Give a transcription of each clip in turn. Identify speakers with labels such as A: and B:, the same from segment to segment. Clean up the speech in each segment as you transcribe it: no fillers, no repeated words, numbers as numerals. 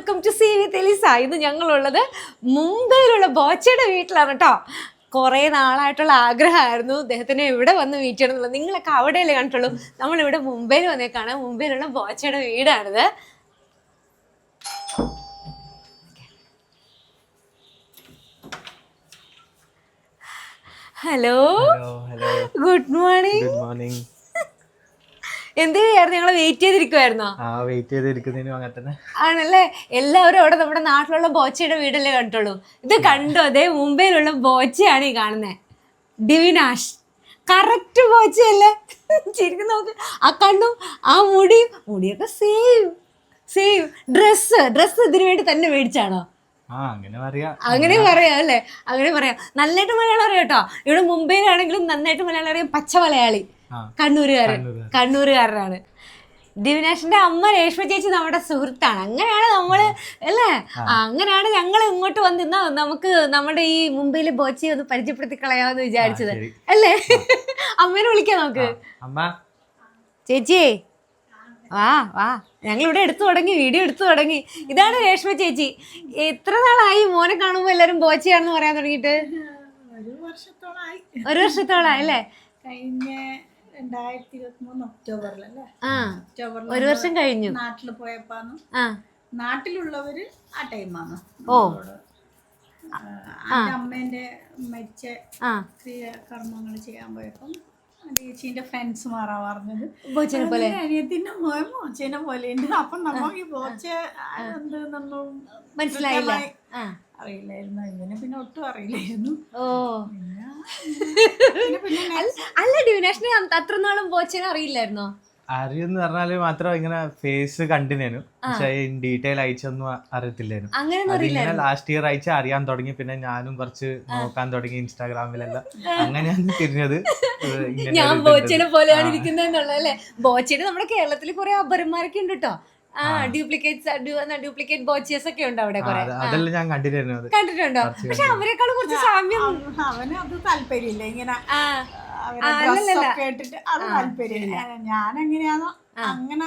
A: Welcome to sea with Eliza. ഇന്ന് ഞങ്ങളുള്ളത് മുംബൈയിലുള്ള ബോച്ചയുടെ വീട്ടിലാണ് കേട്ടോ. കുറേ നാളായിട്ടുള്ള ആഗ്രഹമായിരുന്നു അദ്ദേഹത്തിന് ഇവിടെ വന്ന് മീറ്റ് ചെയ്യണം എന്നുള്ളത്. നിങ്ങളൊക്കെ അവിടെയല്ലേ കണ്ടിട്ടുള്ളൂ, നമ്മളിവിടെ മുംബൈയിൽ വന്നേക്കാണ്. മുംബൈയിലുള്ള ബോച്ചയുടെ വീടാണിത്. Hello, good morning. എന്ത് ചെയ്യായിരുന്നു? ഞങ്ങള് വെയിറ്റ് ചെയ്തിരിക്കുവായിരുന്നോ? ആണല്ലേ. എല്ലാവരും അവിടെ നമ്മുടെ നാട്ടിലുള്ള ബോച്ചയുടെ വീടല്ലേ കണ്ടിട്ടുള്ളൂ. ഇത് കണ്ടോ, അതേ മുംബൈയിലുള്ള ബോച്ചയാണ് ഈ കാണുന്നത്, ഡിവിനാഷ്. കറക്റ്റ് ബോച്ചയല്ലേ? ശരിക്കും നോക്ക്, ആ കണ്ണും ആ മുടിയൊക്കെ സെയിം. ഡ്രസ് ഇതിനു വേണ്ടി തന്നെ മേടിച്ചാണോ? അങ്ങനെ പറയാം അല്ലേ, അങ്ങനെ പറയാം. നന്നായിട്ട് മലയാളം അറിയാം കേട്ടോ. ഇവിടെ മുംബൈയിലാണെങ്കിലും നന്നായിട്ട് മലയാളം അറിയാം. പച്ച മലയാളി, കണ്ണൂരുകാരനാണ്. ദിവിനാഷിന്റെ അമ്മ രേഷ്മ ചേച്ചി നമ്മുടെ സുഹൃത്താണ്. അങ്ങനെയാണ് നമ്മള് അല്ലേ, അങ്ങനെയാണ് ഞങ്ങൾ ഇങ്ങോട്ട് വന്നിരുന്ന നമുക്ക് നമ്മുടെ ഈ മുംബൈയിലെ ബോച്ചയെ ഒന്ന് പരിചയപ്പെടുത്തി കളയാമെന്ന് വിചാരിച്ചത് അല്ലേ. അമ്മേനെ വിളിക്കാം നമുക്ക്. ചേച്ചിയേ വാ, ഞങ്ങളിവിടെ വീഡിയോ എടുത്തു തുടങ്ങി. ഇതാണ് രേഷ്മ ചേച്ചി. എത്ര നാളായി മോനെ കാണുമ്പോ എല്ലാരും ബോച്ചയാണെന്ന് പറയാൻ തുടങ്ങിയിട്ട്? ഒരു വർഷത്തോളായി അല്ലേ.
B: കഴിഞ്ഞ 2023 ഒക്ടോബറിലല്ലേ?
A: ഒരു വർഷം കഴിഞ്ഞു.
B: നാട്ടില് പോയപ്പാന്ന് നാട്ടിലുള്ളവര് ആ ടൈമാണ് അമ്മേന്റെ മരിച്ച കർമ്മങ്ങൾ ചെയ്യാൻ പോയപ്പം ചേച്ചീന്റെ ഫ്രണ്ട്സ് മാറാ പറഞ്ഞത് അനിയത്തിന്റെ മോച്ചേനെ പോലെ ഉണ്ട്. അപ്പൊ നമുക്ക് ഈ ബോച്ച എന്തെന്നൊന്നും
A: മനസ്സിലായില്ല,
B: അറിയില്ലായിരുന്നു. ഇങ്ങനെ പിന്നെ ഒട്ടും അറിയില്ലായിരുന്നു.
A: അല്ല, ഡിവിനാഷിന് അത്ര നാളും ബോച്ചേനെ അറിയില്ലായിരുന്നോ?
C: അറിയെന്ന് പറഞ്ഞാല് മാത്രം ഇങ്ങനെ ഫേസ് കണ്ടിനു, പക്ഷെ ഡീറ്റെയിൽ അയച്ചൊന്നും അറിയത്തില്ലായിരുന്നു. ലാസ്റ്റ് ഇയർ അയച്ച അറിയാൻ തുടങ്ങി. പിന്നെ ഞാനും കുറച്ച് നോക്കാൻ തുടങ്ങി ഇൻസ്റ്റാഗ്രാമിലെല്ലാം. അങ്ങനെയാണ് തിരിഞ്ഞത്.
A: ഞാൻ ബോച്ചേനെ പോലെയാണ് ഇരിക്കുന്നതെന്നുള്ളതല്ലേ. ബോച്ചേനെ നമ്മുടെ കേരളത്തിൽ കുറെ അപരന്മാരൊക്കെ ഉണ്ട് കേട്ടോ. ഡ്യൂപ്ലിക്കേറ്റ് ബോച്ചേഴ്സ് ഒക്കെ ഉണ്ട് അവിടെ.
C: അതെല്ലാം ഞാൻ
A: കണ്ടിട്ടുണ്ടോ? പക്ഷെ അവരെക്കാളും കുറച്ച് സാമ്യം.
B: അവന് അത് താല്പര്യമില്ല ഇങ്ങനെ കേട്ടിട്ട്, അത് താല്പര്യമില്ല. ഞാൻ എങ്ങനെയാണോ അങ്ങനെ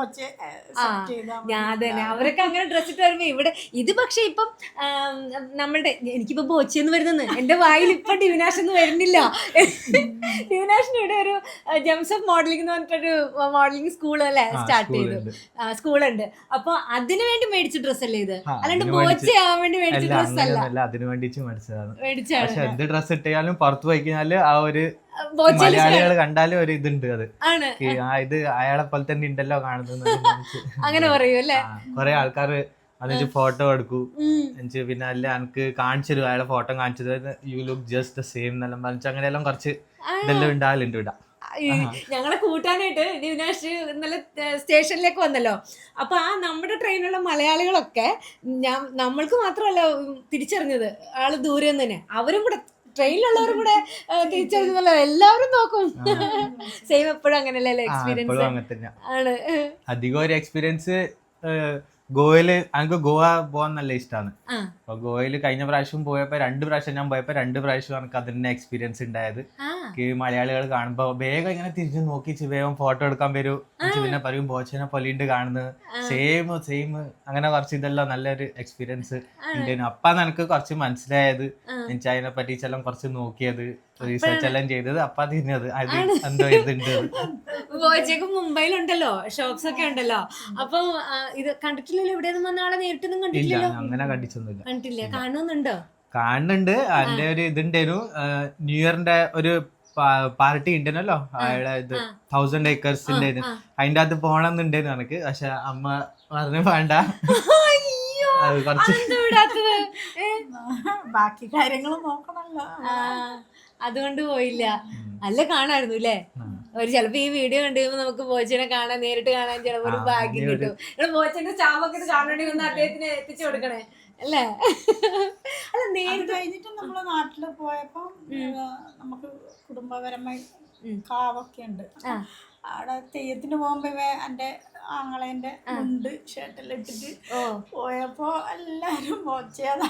A: ഞാൻ തന്നെ അവരൊക്കെ അങ്ങനെ ഡ്രസ് ഇട്ട് വരുമ്പോ ഇവിടെ ഇത്. പക്ഷെ ഇപ്പം നമ്മളുടെ എനിക്കിപ്പോ ബോച്ചെന്ന് വരുന്നത് എന്റെ വായിൽ ഇപ്പൊ ഡിവിനാഷ് എന്ന് വരുന്നില്ല. ഡിവിനാഷിന് ഇവിടെ ഒരു ജെംസ് ഓഫ് മോഡലിംഗ് എന്ന് പറഞ്ഞിട്ടൊരു മോഡലിംഗ് സ്കൂൾ അല്ലേ സ്റ്റാർട്ട് ചെയ്തു, സ്കൂളുണ്ട്. അപ്പൊ അതിനു വേണ്ടി മേടിച്ച ഡ്രസ് അല്ലേ ഇത്, അല്ലാണ്ട് ബോച്ചയാവാൻ വേണ്ടി മേടിച്ച ഡ്രസ് അല്ല.
C: അതിനു വേണ്ടിട്ട് മേടിച്ചതാണ്. എന്ത് ഡ്രസ് ഇട്ടാലും പുറത്ത് പോയി കഴിഞ്ഞാല് ആ ഒരു മലയാളികൾ കണ്ടാലും ഒരു ഇതുണ്ട്, അത് ഇത് അയാളെ പോലെ തന്നെ ഉണ്ടല്ലോ കാണുന്നത്.
A: അങ്ങനെ പറയൂ അല്ലേ.
C: കൊറേ ആൾക്കാർ അതിന് ഫോട്ടോ എടുക്കൂ, പിന്നെ അല്ല എനിക്ക് കാണിച്ചു തരും, അയാളെ ഫോട്ടോ കാണിച്ചു തരും, you look just the same എന്നെല്ലാം പറഞ്ഞു. അങ്ങനെയെല്ലാം കുറച്ച് ഇതെല്ലാം ഉണ്ടാകലുണ്ട് ഇവിടെ.
A: ഞങ്ങളെ കൂട്ടാനായിട്ട് ഡിവിനാഷ് ഇന്നലെ സ്റ്റേഷനിലേക്ക് വന്നല്ലോ. അപ്പൊ ആ നമ്മുടെ ട്രെയിനിലുള്ള മലയാളികളൊക്കെ നമ്മൾക്ക് മാത്രമല്ല തിരിച്ചറിഞ്ഞത്, ആള് ദൂരെ നിന്ന് തന്നെ. അവരും കൂടെ ട്രെയിനിലുള്ളവരും കൂടെ തിരിച്ചറിഞ്ഞല്ലോ. എല്ലാവരും നോക്കും. സെയിം എപ്പോഴും അങ്ങനെയല്ലേ എക്സ്പീരിയൻസ് ആണ്.
C: അധികം ഒരു എക്സ്പീരിയൻസ് ഗോവയില് എനിക്ക് ഗോവ പോകാൻ നല്ല ഇഷ്ടമാണ്. അപ്പൊ ഗോവയില് കഴിഞ്ഞ പ്രാവശ്യം പോയപ്പോ 2 പ്രാവശ്യം ഞാൻ പോയപ്പോ 2 പ്രാവശ്യം എനിക്ക് അതിന്റെ എക്സ്പീരിയൻസ് ഉണ്ടായത്. മലയാളികൾ കാണുമ്പോ വേഗം ഇങ്ങനെ തിരിഞ്ഞു നോക്കിച്ച് വേഗം ഫോട്ടോ എടുക്കാൻ വരും. പിന്നെ പറയും ബോച്ചനെ പൊലിണ്ട് കാണുന്നത്, സെയിം അങ്ങനെ കുറച്ച് ഇതെല്ലാം നല്ലൊരു എക്സ്പീരിയൻസ് ഉണ്ടായിരുന്നു. അപ്പാന്ന് എനിക്ക് കുറച്ച് മനസ്സിലായത്, എനിക്ക് അതിനെ പറ്റിച്ചെല്ലാം കുറച്ച് നോക്കിയത്, റിസർച്ച് എല്ലാം ചെയ്തത്. അപ്പൊ തിരിഞ്ഞത് അത് എന്തോ ഇതുണ്ട്.
A: ബോച്ചക്ക് മുംബൈയിലുണ്ടല്ലോ ഷോപ്സ് ഒക്കെ ഉണ്ടല്ലോ. അപ്പൊ ഇത് കണ്ടിട്ടില്ലല്ലോ, ഇവിടെ വന്ന ആളെ നേരിട്ടൊന്നും കണ്ടിട്ടില്ലല്ലോ?
C: അങ്ങനെ കണ്ടിട്ടില്ല.
A: കാണുന്നുണ്ട്.
C: അതിന്റെ ഒരു ഇതുണ്ടായിരുന്നു, ന്യൂ ഇയറിന്റെ ഒരു പാർട്ടി ഉണ്ടല്ലോ, അയാളെ ഇത് 1000 acresന്റെ അതിന്റെ അകത്ത് പോണെന്നുണ്ടായിരുന്നു എനിക്ക്. പക്ഷെ അമ്മ പറഞ്ഞു വേണ്ട,
B: ബാക്കി കാര്യങ്ങൾ നോക്കണല്ലോ,
A: അതുകൊണ്ട് പോയില്ല. നല്ല കാണായിരുന്നു അല്ലേ. ഒരു ചിലപ്പോ ഈ വീഡിയോ കണ്ടു കഴിയുമ്പോ നമുക്ക് ബോച്ചനെ കാണാൻ, നേരിട്ട് കാണാൻ ചിലപ്പോ ഒരു ഭാഗ്യം കിട്ടും. നിങ്ങൾ ബോച്ചന്റെ സ്റ്റാമ്പൊക്കെ കാണണമെങ്കിൽ ഒന്ന് അദ്ദേഹത്തിന് എത്തിച്ചു കൊടുക്കണേ അല്ലേ. അല്ല, നേരിട്ട്
B: കഴിഞ്ഞിട്ട് നമ്മള് നാട്ടില് പോയപ്പോ നമുക്ക് കുടുംബപരമായി കാവൊക്കെ ഉണ്ട്. അവിടെ തെയ്യത്തിന് പോകുമ്പോ എൻ്റെ ആങ്ങളേൻ്റെ ഉണ്ട് ഷർട്ടെല്ലാം ഇട്ടിട്ട് പോയപ്പോ എല്ലാരും മോച്ചയാതാ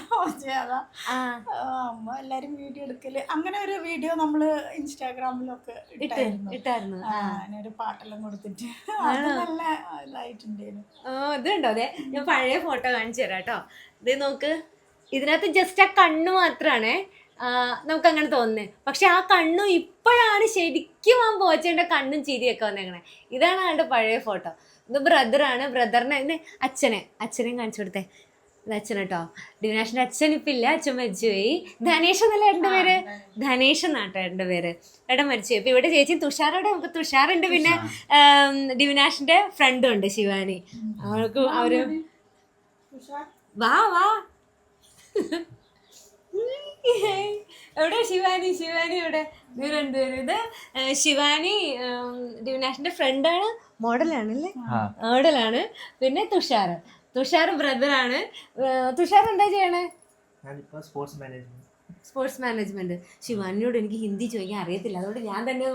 B: അമ്മ എല്ലാരും വീഡിയോ എടുക്കല്. അങ്ങനെ ഒരു വീഡിയോ നമ്മള് ഇൻസ്റ്റാഗ്രാമിലൊക്കെ ഇട്ടായിരുന്നു. ഒരു പാട്ടെല്ലാം കൊടുത്തിട്ട് അത് നല്ല ഇതായിട്ടുണ്ടായിരുന്നു.
A: ഇതുണ്ടോ അതെ, ഞാൻ പഴയ ഫോട്ടോ കാണിച്ചു തരാം കേട്ടോ. ഇത് നോക്ക്, ഇതിനകത്ത് ജസ്റ്റ് ആ കണ്ണ് മാത്രാണേ നമുക്ക് അങ്ങനെ തോന്നുന്നത്. പക്ഷെ ആ കണ്ണും ഇപ്പോഴാണ് ശരിക്കും ആ ബോച്ചേന്റെ കണ്ണും ചിരിയൊക്കെ വന്നേക്കണേ. ഇതാണ് ആളുടെ പഴയ ഫോട്ടോ. ഇത് ബ്രദറാണ്. ബ്രദറിനെ ഇത് അച്ഛനെയും കാണിച്ചു കൊടുത്തേ. ഇത് അച്ഛൻ കേട്ടോ. ഡിവിനാഷിന്റെ അച്ഛൻ ഇപ്പം ഇല്ല, അച്ഛൻ മരിച്ചുപോയി. ധനേഷ് എന്നല്ല ഏട്ടൻ്റെ പേര്, ധനേഷ് എന്നാട്ടോ ഏട്ടൻ്റെ പേര്. ഏട്ടൻ മരിച്ചുപോയി. ഇപ്പൊ ഇവിടെ ചേച്ചി തുഷാറോടെ, നമുക്ക് തുഷാറുണ്ട്, പിന്നെ ഡിവിനാഷിന്റെ ഫ്രണ്ടും ഉണ്ട് ശിവാനി. അവർക്ക് അവര് വാ എവിടെ ശിവാനി എവിടെ? ഇവർ രണ്ടുപേരും. ഇത് ശിവാനി ഡിവിനാഷിന്റെ ഫ്രണ്ടാണ്, മോഡലാണ്. പിന്നെ തുഷാർ ബ്രദറാണ്. തുഷാർ എന്താ ചെയ്യണേ? Sports management. ശിവാനിയോട് എനിക്ക് ഹിന്ദി ചോദിക്കാൻ അറിയത്തില്ല, അതുകൊണ്ട് ഞാൻ തന്നെ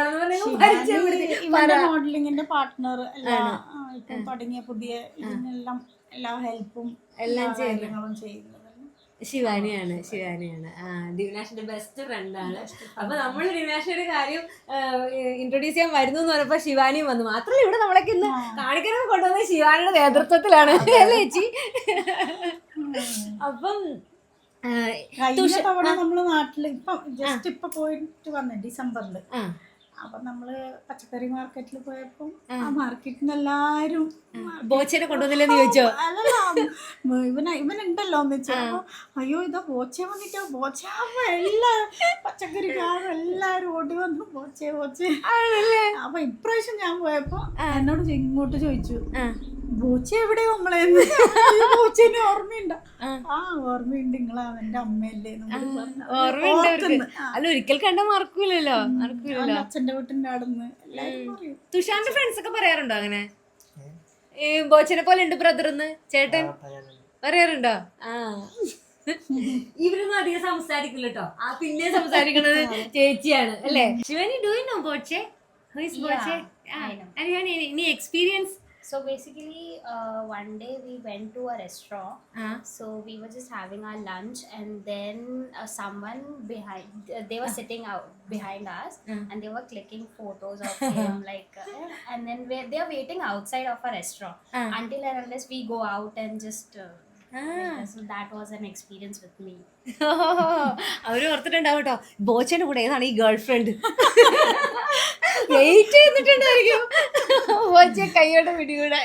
B: മോഡലിംഗിന്റെ പാർട്ട്ണർ തുടങ്ങിയ പുതിയ ഇതിനെല്ലാം എല്ലാ ഹെൽപ്പും എല്ലാം ചെയ്യുന്നത്
A: ശിവാനിയാണ്. ഡിവിനാഷിന്റെ ബെസ്റ്റ് ഫ്രണ്ടാണ്. അപ്പൊ നമ്മൾ ഡിവിനാഷിന്റെ കാര്യം ഇൻട്രൊഡ്യൂസ് ചെയ്യാൻ വരുന്നു എന്ന് പറഞ്ഞപ്പോ ശിവാനിയും വന്നു. മാത്രമല്ല ഇവിടെ നമ്മളൊക്കെ ഇന്ന് കാണിക്കാനൊക്കെ കൊണ്ടുവന്നത് ശിവാനിയുടെ നേതൃത്വത്തിലാണ് അല്ലേ ചേച്ചി? അപ്പം
B: തവണ നമ്മള് നാട്ടില് ഇപ്പൊ പോയിട്ട് വന്നേ ഡിസംബറില്. അപ്പൊ നമ്മള് പച്ചക്കറി മാർക്കറ്റിൽ പോയപ്പോ ആ മാർക്കറ്റിന് എല്ലാരും
A: ബോച്ചേനെ കൊണ്ടുവന്നില്ലെന്ന് ചോദിച്ചോ?
B: അല്ലല്ല, ഇവനുണ്ടല്ലോ എന്ന് വെച്ചപ്പോ അയ്യോ ഇതാ ബോച്ച വന്നിട്ടോ, ബോച്ച. എല്ലാ പച്ചക്കറിക്കാരും എല്ലാരും ഓടി വന്നു ബോച്ചേ. അപ്പൊ ഇപ്രാവശ്യം ഞാൻ പോയപ്പോ എന്നോട് ഇങ്ങോട്ട് ചോദിച്ചു, ബോച്ച എവിടെയോ നമ്മളെ? ബോച്ചേനെ ഓർമ്മയുണ്ടോ? ഓർമ്മയുണ്ട്, നിങ്ങൾ അവന്റെ അമ്മയല്ലേ?
A: അല്ല ഒരിക്കൽ കണ്ട മറക്കൂലല്ലോ.
B: അച്ഛന്റെ വീട്ടിന്റെ അടുന്ന് എല്ലാരും പറയും.
A: തുഷാറിന്റെ ഫ്രണ്ട്സ് ഒക്കെ പറയാറുണ്ടോ അങ്ങനെ ബോച്ചനെ പോലെ ഉണ്ട് ബ്രദർന്ന് ചേട്ടൻ പറയാറുണ്ടോ? ഇവരൊന്നും അധികം സംസാരിക്കില്ല കേട്ടോ. പിന്നെ സംസാരിക്കുന്നത് ചേച്ചിയാണ് അല്ലേ? Shivani, do you know Boche? Who is Boche? Any experience?
D: So basically, one day we went to a restaurant. So we were just having our lunch, and then someone behind, they were sitting out behind us, and they were clicking photos of him, like, and then they are waiting outside of a restaurant until and unless we go out and just. So that was an experience with me.
A: അവര് ഓർത്തിട്ടുണ്ടാവും കേട്ടോ, ബോച്ചന്റെ കൂടെ ഏതാണ് ഈ girl friend wait ചെയ്തിട്ടുണ്ടായിരിക്കും ബോച്ച കൈയോടെ പിടികൂടാൻ.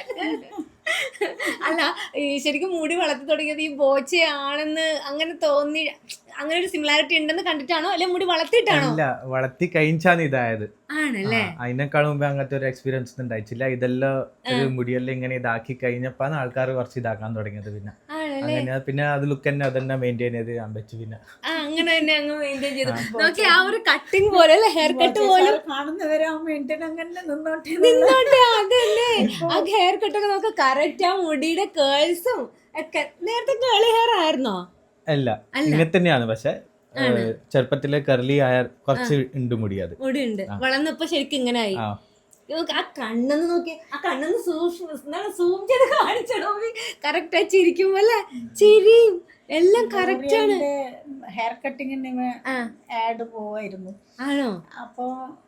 A: അല്ല ശരിക്കും മുടി വളർത്തി തുടങ്ങിയത് ഈ ബോച്ചയാണെന്ന് അങ്ങനെ തോന്നി, അങ്ങനെ ഒരു സിമിലാരിറ്റി ഉണ്ടെന്ന് കണ്ടിട്ടാണോ അല്ലെ മുടി വളർത്തിയിട്ടാണോ?
C: അല്ല, വളർത്തി കഴിഞ്ഞാണ് ഇതായത്.
A: ആണല്ലേ?
C: അതിനേക്കാളും മുമ്പ് അങ്ങനത്തെ ഒരു എക്സ്പീരിയൻസ് ഒന്നും ഉണ്ടായിട്ടില്ല. ഇതെല്ലാം ഒരു മുടിയെല്ലാം ഇങ്ങനെ ഇതാക്കി കഴിഞ്ഞപ്പാണ് ആൾക്കാർ കുറച്ച് ഇതാക്കാൻ തുടങ്ങിയത്. പിന്നെ അങ്ങനെ പിന്നെ അത് ലുക്ക് തന്നെ അതന്നെ മെയിൻറ്റെയിൻ ചെയ്ത് ഞാൻ വെച്ചു. പിന്നെ
A: അങ്ങനെ തന്നെ അങ്ങ് മെയിൻറ്റെയിൻ ചെയ്തു. നോക്കി ആ ഒരു കട്ടിങ് പോലെ അല്ലെ, ഹെയർ കട്ട് പോലെ
B: കാണുന്നവരെ മെയിൻറ്റെയിൻ അങ്ങനെ നിന്നോട്ടെ.
A: അതല്ലേ ആ ഹെയർ കട്ടൊക്കെ നമുക്ക് കറക്റ്റ് ആ മുടിയുടെ കേൾസും ഒക്കെ. നേരത്തെ കേളി ഹെയർ ആയിരുന്നോ?
C: അല്ല, ഇങ്ങനെ തന്നെയാണ്. പക്ഷെ ചെറുപ്പത്തിലെ കർലി ആയ കുറച്ച് ഉണ്ട് മുടി. അത്
A: മുടിയുണ്ട്, വളർന്നപ്പോ ശരിക്കും ഇങ്ങനെ ആയി. ആ കണ്ണെന്ന് നോക്കി, ആ കണ്ണെന്ന് സൂം ചെയ്ത് കാണിച്ചോ. കറക്റ്റ് ആയി ചിരിക്കുമ്പോ അല്ലേ, ചിരിയും എല്ലാം കറക്റ്റ് ആണ്.
B: ഹെയർ കട്ടിങ്ങിന് ആഡ് പോവായിരുന്നു.
A: ആണോ?
B: അപ്പൊ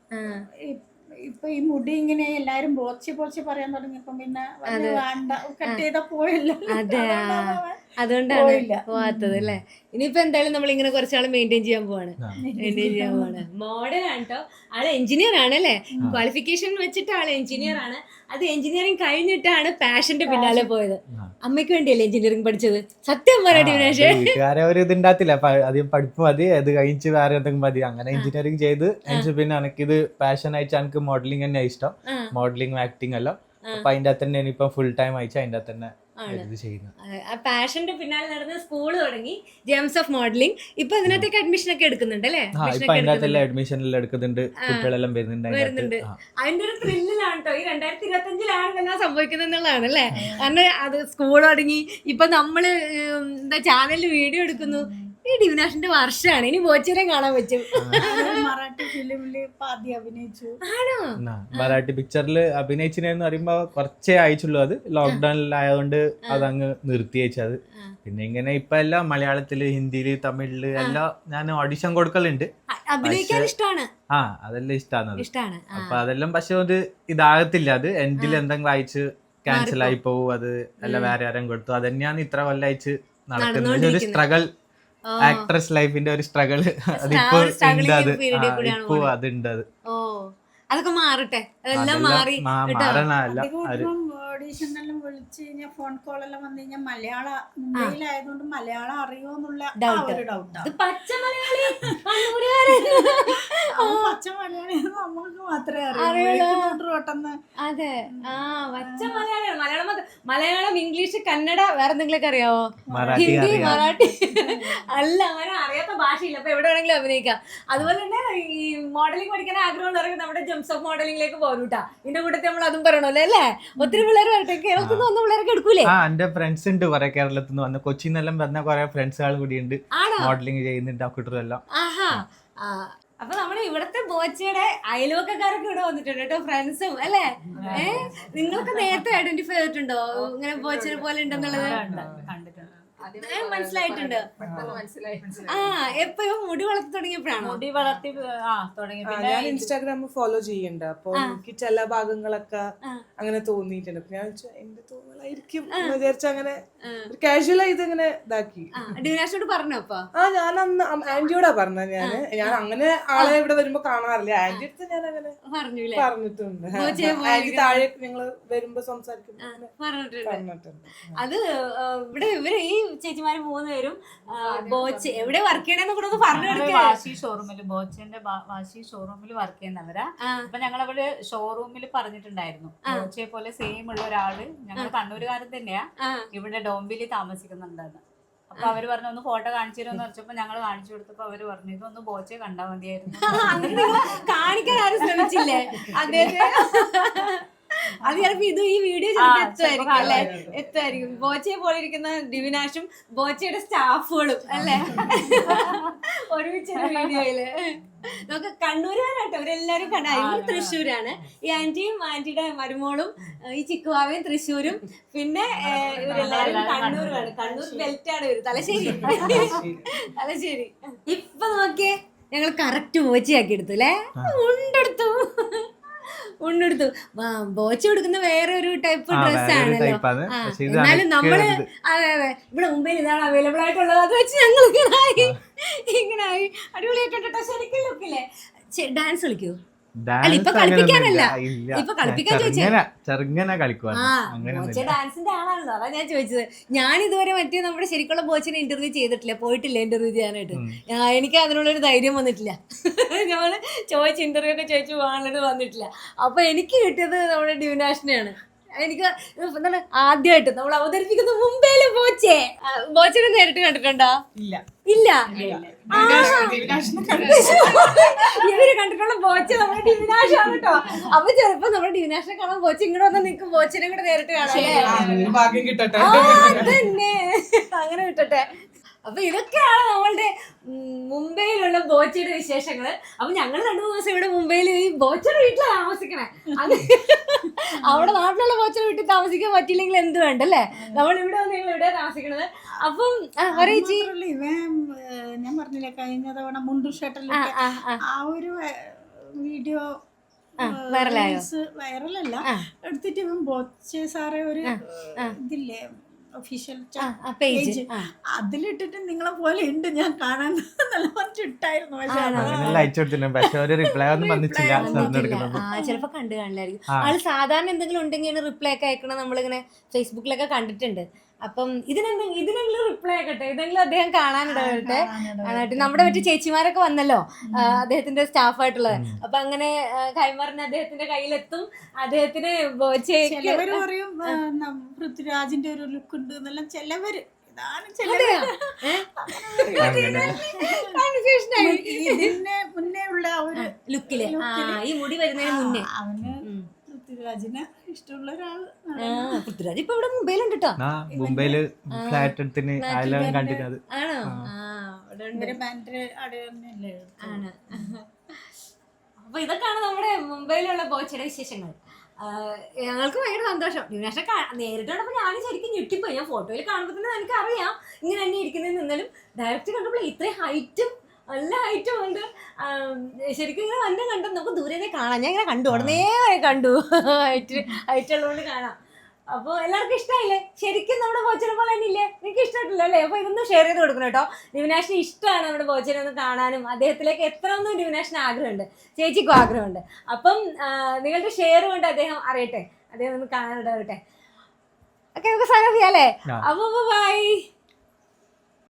B: ഇപ്പൊ ഈ മുടി ഇങ്ങനെ എല്ലാരും ബോച്ചി പറയാൻ തുടങ്ങിയപ്പോ പിന്നെ വേണ്ട, കട്ട് ചെയ്താ പോയല്ലോ.
A: അതെ, അതുകൊണ്ടാണ് പോവാത്തത് അല്ലേ. ഇനിയിപ്പോ എന്തായാലും നമ്മൾ ഇങ്ങനെ കുറച്ചാൾ മെയിൻറ്റെയിൻ ചെയ്യാൻ പോവാണ്. മോഡൽ ആണ് കേട്ടോ. ആള് എഞ്ചിനീയർ ആണ് അല്ലേ? ക്വാളിഫിക്കേഷൻ വെച്ചിട്ട് ആള് എഞ്ചിനീയർ ആണ്. അത് എഞ്ചിനീയറിംഗ് കഴിഞ്ഞിട്ടാണ് പാഷന്റെ പിന്നാലെ പോയത്. അമ്മയ്ക്ക് വേണ്ടിയല്ലേ എഞ്ചിനീയറിംഗ് പഠിച്ചത്? സത്യം പറയട്ടെ വിനാശേ.
C: വീട്ടുകാരെ ഒരു ഇതുണ്ടാത്തില്ല, അധികം പഠിപ്പ് മതി, അത് കഴിഞ്ഞ് വേറെ എന്തെങ്കിലും മതി, അങ്ങനെ എഞ്ചിനീയറിംഗ് ചെയ്ത് പിന്നെ എനിക്കിത് പാഷൻ അയച്ച എനിക്ക് മോഡലിംഗ് തന്നെ ഇഷ്ടം. മോഡലിംഗ് ആക്ടിങ് എല്ലാം. അപ്പൊ അതിന്റെ അകത്ത് തന്നെ ഇനിയിപ്പം ഫുൾ ടൈം അയച്ച അതിന്റെ അകത്ത് തന്നെ
A: പാഷന്റെ പിന്നാലെ നടന്ന് സ്കൂൾ തുടങ്ങി, ജെംസ് ഓഫ് മോഡലിംഗ്. ഇപ്പൊ ഇതിനകത്തേക്ക് അഡ്മിഷൻ ഒക്കെ എടുക്കുന്നുണ്ട് അല്ലേ?
C: അഡ്മിഷൻ എല്ലാം എടുക്കുന്നുണ്ട്, കുട്ടികളെല്ലാം വരുന്നുണ്ട്.
A: അതിന്റെ ഒരു ത്രില്ലിലാണ് കേട്ടോ. ഈ 2025 എന്താ സംഭവിക്കുന്നത് എന്നുള്ളതാണ് അല്ലേ. കാരണം അത് സ്കൂൾ തുടങ്ങി, ഇപ്പൊ നമ്മള് എന്താ ചാനലിൽ വീഡിയോ എടുക്കുന്നു. ഈ ഡിവിനാഷിന്റെ വർഷമാണ്, ഇനി ബോച്ചേനെ കാണാൻ പറ്റും.
B: മറാഠി ഫിലിമില് ആദ്യം അഭിനയിച്ചു.
A: ആണോ?
C: മറാഠി പിക്ചറിൽ അഭിനയിച്ചിനെന്ന് പറയുമ്പോ കുറച്ചേ അയച്ചുള്ളൂ. അത് ലോക്ക്ഡൌണിലായതുകൊണ്ട് അതങ്ങ് നിർത്തി വെച്ചത്. പിന്നെ ഇങ്ങനെ ഇപ്പൊ എല്ലാം മലയാളത്തില്, ഹിന്ദിയില്, തമിഴില് എല്ലാം ഞാൻ ഓഡിഷൻ കൊടുക്കലുണ്ട്.
A: അഭിനയിക്കാൻ ഇഷ്ടമാണ്.
C: അതെല്ലാം ഇഷ്ടമാണ്.
A: ഇഷ്ടമാണ്.
C: അപ്പൊ അതെല്ലാം പക്ഷെ അത് ഇതാകത്തില്ല. അത് എൻഡിൽ എന്തെങ്കിലും അയച്ച് ക്യാൻസൽ ആയി പോവും. അത് അല്ല വേറെ ആരും കൊടുത്തു. അത് തന്നെയാണ് ഇത്ര കൊല്ലം അയച്ച് നടക്കുന്നത്. ഒരു സ്ട്രഗിൾ, ആക്ട്രസ് ലൈഫിന്റെ ഒരു സ്ട്രഗിൾ അതിപ്പോ ഉണ്ട്. അത് ഇപ്പോ അതുണ്ട്. അത്
A: അതൊക്കെ മാറട്ടെ, അതെല്ലാം മാറി.
B: ഓഡീഷനെല്ലാം വിളിച്ച് കഴിഞ്ഞാൽ ഫോൺ കോളെല്ലാം വന്നു കഴിഞ്ഞാൽ മലയാളം, മുംബൈയിലായതുകൊണ്ട് മലയാളം അറിയോന്നുള്ള ഒരു ഡൗട്ടാണ്.
A: പച്ച മലയാളി
B: പച്ച മലയാളി നമുക്ക് മാത്രമേ അറിയൂ.
A: അതെ, പച്ച മലയാളിയാണ്. മലയാളം, ഇംഗ്ലീഷ്, കന്നഡ, വേറെ എന്തെങ്കിലുമൊക്കെ അറിയാവോ? ഹിന്ദി, മറാഠി അല്ല, അങ്ങനെ അറിയാത്ത ഭാഷയില്ല. അപ്പൊ എവിടെ വേണമെങ്കിലും അഭിനയിക്കാം. അതുപോലെ തന്നെ ഈ മോഡലിംഗ് പഠിക്കാൻ ആഗ്രഹമുള്ളവർക്ക് നമ്മുടെ ജംസ് ഓഫ് മോഡലിംഗിലേക്ക് പോരൂട്ടാ. ഇതിന്റെ കൂട്ടത്തിൽ നമ്മൾ അതും പറയണല്ലോ അല്ലേ? ഒത്തിരി പിള്ളേർ വരട്ടെ. കേരളത്തിൽ നിന്ന് വന്ന പിള്ളേരൊക്കെ എടുക്കൂലേ?
C: എന്റെ ഫ്രണ്ട്സ് ഉണ്ട് കുറെ, കേരളത്തിൽ നിന്ന് വന്ന് കൊച്ചിന്നെല്ലാം വന്ന കുറെ ഫ്രണ്ട്സുകൾ കൂടി ഉണ്ട്, മോഡലിംഗ് ചെയ്യുന്നുണ്ട്. കുട്ടികളെല്ലാം.
A: അപ്പൊ നമ്മുടെ ഇവിടത്തെ ബോച്ചയുടെ അയൽവക്കക്കാരൊക്കെ ഇവിടെ വന്നിട്ടുണ്ട് കേട്ടോ, ഫ്രണ്ട്സും അല്ലേ? നിങ്ങൾക്ക് നേരത്തെ ഐഡന്റിഫൈ ചെയ്തിട്ടുണ്ടോ ഇങ്ങനെ ബോച്ചനെ പോലെ ഉണ്ടെന്നുള്ളത്? മനസ്സിലായിട്ടുണ്ട്. എപ്പോഴും മുടി വളർത്തി തുടങ്ങിയപ്പോഴാണ്?
E: മുടി വളർത്തി ഞാൻ ഇൻസ്റ്റാഗ്രാമിൽ ഫോളോ ചെയ്യുന്നുണ്ട്. അപ്പൊ എനിക്ക് ചില ഭാഗങ്ങളൊക്കെ അങ്ങനെ തോന്നിയിട്ടുണ്ട്. ഞാൻ എന്റെ തോന്നലായിരിക്കും എന്ന് വിചാരിച്ച അങ്ങനെ കാഷ്വൽ ആയി ഇതങ്ങനെ ഇതാക്കി.
A: ഡിവിനാഷോട് പറഞ്ഞോ?
E: ഞാൻ അന്ന് ആന്റിയോടാ പറഞ്ഞ. ഞാൻ അങ്ങനെ ആളെ ഇവിടെ വരുമ്പോ കാണാറില്ല. ആന്റി അടുത്ത് ഞാൻ അങ്ങനെ പറഞ്ഞിട്ടുണ്ട്. ആന്റി താഴെ ഞങ്ങള് വരുമ്പോ സംസാരിക്കുമ്പോ പറഞ്ഞിട്ടുണ്ട്.
A: അത് ഇവിടെ ഇവര് ഈ ചേച്ചിമാര് 3 പേരും ബോച്ച് എവിടെ വർക്ക് ചെയ്യണെന്ന് കൂടെ ഒന്ന് പറഞ്ഞു കൊടുക്കുക.
F: വാശി ഷോറൂമില്, ബോച്ചന്റെ വാശി ഷോറൂമിൽ വർക്ക് ചെയ്യുന്നവരാ. അപ്പൊ ഞങ്ങളവിടെ ഷോറൂമിൽ പറഞ്ഞിട്ടുണ്ടായിരുന്നു, ബോച്ചയെ പോലെ സെയിം ഉള്ള ഒരാള്, ഞങ്ങൾ കണ്ണൂരുകാരൻ തന്നെയാ, ഇവിടെ ഡോംബിലി താമസിക്കുന്നുണ്ടെന്ന്. അപ്പൊ അവര് പറഞ്ഞു ഒന്ന് ഫോട്ടോ കാണിച്ചു തരുമെന്ന് വെച്ചപ്പോ ഞങ്ങൾ കാണിച്ചു കൊടുത്തപ്പോ അവര് പറഞ്ഞു ഇതൊന്ന് ബോച്ചയെ കണ്ടാ മതിയായിരുന്നു.
A: കാണിക്കാൻ ആരും ശ്രമിച്ചില്ലേ അദ്ദേഹത്തെ? അത് ചിലപ്പോ ഇത് ഈ വീഡിയോ ചിലപ്പോ എത്തുമായിരിക്കും അല്ലെ? എത്തുമായിരിക്കും. ബോച്ചയെ പോലെ ഇരിക്കുന്ന ഡിവിനാഷും ബോച്ചയുടെ സ്റ്റാഫുകളും അല്ലെ ഒരുമിച്ചൊരു വീഡിയോയില്. നമുക്ക് കണ്ണൂരുകാരാട്ടോ ഇവരെല്ലാരും. ഇവർ തൃശ്ശൂരാണ്. ഈ ആന്റിയും ആന്റിയുടെ മരുമോളും ഈ ചിക്കുവാവയും തൃശ്ശൂരും, പിന്നെ ഇവരെല്ലാരും കണ്ണൂരാണ്. കണ്ണൂർ ബെൽറ്റാണ് ഇവര്. തലശ്ശേരി. ഇപ്പൊ നോക്കിയേ, ഞങ്ങൾ കറക്റ്റ് ബോച്ചയാക്കി എടുത്തു അല്ലേ? ഉണ്ടെടുത്തു. ബോച്ച കൊടുക്കുന്ന വേറെ ഒരു ടൈപ്പ് ഡ്രസ് ആണല്ലോ. എന്നാലും നമ്മള് അതെ ഇവിടെ മുംബൈയിൽ ഇതാണ് അവൈലബിൾ ആയിട്ടുള്ളത്. അത് വെച്ച് ഞങ്ങൾ ഇങ്ങനായി അടിപൊളിയായിട്ടോ. ശരിക്കും ലുക്കില്ലേ? ഡാൻസ് കളിക്കൂ? അല്ല ഇപ്പൊ കളിപ്പിക്കാനല്ല, ഇപ്പൊ കളിപ്പിക്കാൻ ബോച്ച ഡാൻസിന്റെ ആളാണല്ലോ, അതാ ഞാൻ ചോദിച്ചത്. ഞാൻ ഇതുവരെ മറ്റേ നമ്മുടെ ശരിക്കുള്ള ബോച്ചനെ ഇന്റർവ്യൂ ചെയ്തിട്ടില്ല, പോയിട്ടില്ല ഇന്റർവ്യൂ ചെയ്യാനായിട്ട്. എനിക്ക് അതിനുള്ളൊരു ധൈര്യം വന്നിട്ടില്ല. ഞങ്ങള് ചോദിച്ച ഇന്റർവ്യൂ ഒക്കെ ചോദിച്ചു പോകാനുള്ളത് വന്നിട്ടില്ല. അപ്പൊ എനിക്ക് കിട്ടിയത് നമ്മുടെ ഡിവിനാഷിനെയാണ്. എനിക്ക് എന്താണ് ആദ്യമായിട്ട് നമ്മൾ അവതരിപ്പിക്കുന്ന മുംബൈയിലെ ബോച്ചനെ നേരിട്ട് കണ്ടിട്ടുണ്ടോ? ഇല്ല. ഇവര് കണ്ടിട്ടുള്ള ബോച്ച നമ്മുടെ ഡിവിനാഷാണ് കേട്ടോ. അപ്പൊ ചിലപ്പോ നമ്മുടെ ഡിവിനാഷിനെ കാണാൻ ബോച്ച ഇങ്ങോട്ട് വന്ന് നിൽക്കും, ബോച്ചനെ കൂടെ നേരിട്ട് കാണാം. അതന്നെ, അങ്ങനെ കിട്ടട്ടെ. അപ്പൊ ഇതൊക്കെയാണ് നമ്മളുടെ മുംബൈയിലുള്ള ബോച്ചയുടെ വിശേഷങ്ങള്. അപ്പൊ ഞങ്ങൾ 2-3 ദിവസം ഇവിടെ മുംബൈയിൽ ഈ ബോച്ചയുടെ വീട്ടിലാണ് താമസിക്കണേ. അവിടെ നാട്ടിലുള്ള ബോച്ചയുടെ വീട്ടിൽ താമസിക്കാൻ പറ്റിയില്ലെങ്കിൽ എന്ത് വേണ്ടല്ലേ? നമ്മൾ ഇവിടെ വന്ന് ഞങ്ങൾ ഇവിടെ താമസിക്കണത്. അപ്പം
B: ഞാൻ പറഞ്ഞില്ലേ കഴിഞ്ഞ തവണ മുണ്ടു ഷട്ടലിൽ ആ ഒരു വീഡിയോ വൈറലല്ല എടുത്തിട്ട് ഇവൻ ബോച്ചെ സാറേ ഒരു ഇതില്ലേ ഒഫീഷ്യൽ പേജ് അതിലിട്ടിട്ട് നിങ്ങളെ പോലെ ഉണ്ട് ഞാൻ കാണാൻ ഇട്ടായിരുന്നു.
A: ചിലപ്പോ കണ്ടു കാണില്ലായിരിക്കും ആള്. സാധാരണ എന്തെങ്കിലും ഉണ്ടെങ്കിൽ റിപ്ലൈ ഒക്കെ അയക്കണം നമ്മളിങ്ങനെ ഫേസ്ബുക്കിലൊക്കെ കണ്ടിട്ടുണ്ട്. അപ്പം ഇതിനെങ്കിലും റിപ്ലൈ ആക്കട്ടെ, ഇതെങ്കിലും അദ്ദേഹം കാണാനിടവരട്ടെ. നമ്മുടെ മറ്റു ചേച്ചിമാരൊക്കെ വന്നല്ലോ അദ്ദേഹത്തിന്റെ സ്റ്റാഫായിട്ടുള്ളത്. അപ്പൊ അങ്ങനെ കൈമാറിന് അദ്ദേഹത്തിന്റെ കയ്യിലെത്തും. അദ്ദേഹത്തിന്
B: ചിലവര് പറയും പൃഥ്വിരാജിന്റെ ഒരു ലുക്ക് ഉണ്ട് എന്നെല്ലാം ചിലവര്. ഇതിന് മുന്നേ ഉള്ള ഒരു
A: ലുക്കില് ഈ മുടി വരുന്നതിന് മുന്നേ
B: അവന് പൃഥ്വിരാജിനെ ഇഷ്ടമുള്ള ഒരാള്.
A: പൃഥ്വിരാജ് ഇപ്പൊ ഇവിടെ മുംബൈയിലുണ്ട് കേട്ടോ.
C: മുംബൈയില് ഫ്ലാറ്റ് എടുത്തിന് കണ്ടിരുന്നത്.
A: ആണോ?
B: ഇവര് ബാൻഡ് അവിടെ തന്നെയല്ലേ
A: ആണ്. അപ്പൊ ഇതൊക്കെയാണ് നമ്മുടെ മുംബൈയിലുള്ള ബോച്ചയുടെ വിശേഷങ്ങൾ. ഞങ്ങൾക്ക് ഭയങ്കര സന്തോഷം. ദിവിനാശെ നേരിട്ട് കണ്ടപ്പോൾ ഞാൻ ശരിക്കും ഞെട്ടിപ്പോയി. ഞാൻ ഫോട്ടോയിൽ കാണുമ്പോൾ തന്നെ എനിക്ക് അറിയാം ഇങ്ങനെ തന്നെ ഇരിക്കുന്നതെന്ന്. എന്നാലും ഡയറക്റ്റ് കണ്ടപ്പോൾ ഇത്രയും ഹൈറ്റും നല്ല ഹൈറ്റും ഉണ്ട്. ശരിക്കും ഇങ്ങനെ വന്നെ കണ്ടു നമുക്ക് ദൂരെ കാണാം. ഞാൻ ഇങ്ങനെ കണ്ടു, ഉടനെ കണ്ടു, ഹൈറ്റ് ഉള്ളതുകൊണ്ട് കാണാം. അപ്പോൾ എല്ലാവർക്കും ഇഷ്ടമായില്ലേ? ശരിക്കും നമ്മുടെ ബോച്ചനെ പോലെ തന്നെ ഇല്ലേ? നിങ്ങൾക്ക് ഇഷ്ടമായിട്ടില്ല അല്ലേ? അപ്പോൾ ഇതൊന്നും ഷെയർ ചെയ്ത് കൊടുക്കണം കേട്ടോ. ദിവിനാശിന് ഇഷ്ടമാണ് നമ്മുടെ ബോച്ചനെ ഒന്ന് കാണാനും അദ്ദേഹത്തിലേക്ക് എത്രയൊന്നും ദിവിനാശിന് ആഗ്രഹമുണ്ട്, ചേച്ചിക്കും ആഗ്രഹമുണ്ട്. അപ്പം നിങ്ങളുടെ ഷെയർ കൊണ്ട് അദ്ദേഹം അറിയട്ടെ, അദ്ദേഹം ഒന്ന് കാണാനിടവട്ടെ. ഓക്കെ, നമുക്ക് സൈൻ ഓഫ് ചെയ്യാം അല്ലേ? അപ്പോൾ ബൈ.